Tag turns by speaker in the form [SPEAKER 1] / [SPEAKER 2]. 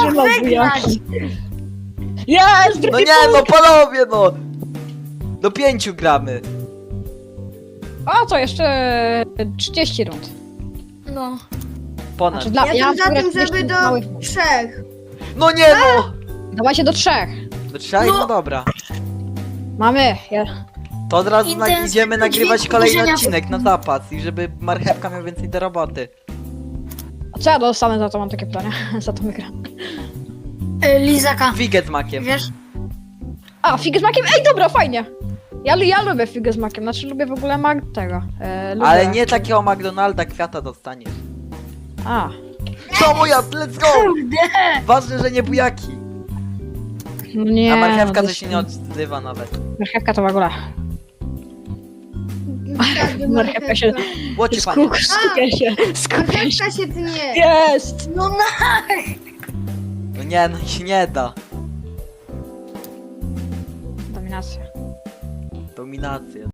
[SPEAKER 1] trzymał
[SPEAKER 2] wygrać.
[SPEAKER 1] bujaki. Jest!
[SPEAKER 3] No nie, no panowie, no! Do 5 gramy.
[SPEAKER 1] A co, jeszcze 30 rund.
[SPEAKER 2] No.
[SPEAKER 3] Ponad.
[SPEAKER 1] Znaczy,
[SPEAKER 4] Ja
[SPEAKER 1] mam
[SPEAKER 4] jestem za
[SPEAKER 1] akurat
[SPEAKER 4] tym, żeby
[SPEAKER 1] 30
[SPEAKER 4] do
[SPEAKER 1] małych.
[SPEAKER 4] 3.
[SPEAKER 3] No nie, no!
[SPEAKER 1] Dawajcie do 3.
[SPEAKER 3] Do 3? No dobra.
[SPEAKER 1] Mamy.
[SPEAKER 3] To od razu
[SPEAKER 2] Intensywny
[SPEAKER 3] idziemy nagrywać
[SPEAKER 2] dźwięk
[SPEAKER 3] kolejny
[SPEAKER 2] uderzenia
[SPEAKER 3] odcinek na zapas i żeby marchewka miał więcej do roboty.
[SPEAKER 1] A co ja dostanę za to, mam takie pytanie. Za to wygram.
[SPEAKER 2] Lizaka.
[SPEAKER 3] Figę z makiem.
[SPEAKER 2] Wiesz?
[SPEAKER 1] A, figę z makiem? Ej, dobra, fajnie. Ja lubię figę z makiem, znaczy lubię w ogóle tego. Lubię...
[SPEAKER 3] Ale nie takiego McDonalda, kwiata dostaniesz.
[SPEAKER 1] A,
[SPEAKER 3] To moja, let's go!
[SPEAKER 2] Kurde.
[SPEAKER 3] Ważne, że nie bujaki.
[SPEAKER 1] no nie.
[SPEAKER 3] A marchewka
[SPEAKER 1] no
[SPEAKER 3] to się nie odzywa nawet.
[SPEAKER 1] Marchewka to w ogóle. Marchewka się...
[SPEAKER 3] Łocie panie.
[SPEAKER 1] Skupia się.
[SPEAKER 4] Marchewka się tnie.
[SPEAKER 1] Jest!
[SPEAKER 2] No na.
[SPEAKER 3] No nie, no się nie da.
[SPEAKER 1] Dominacja.
[SPEAKER 3] Dominacja.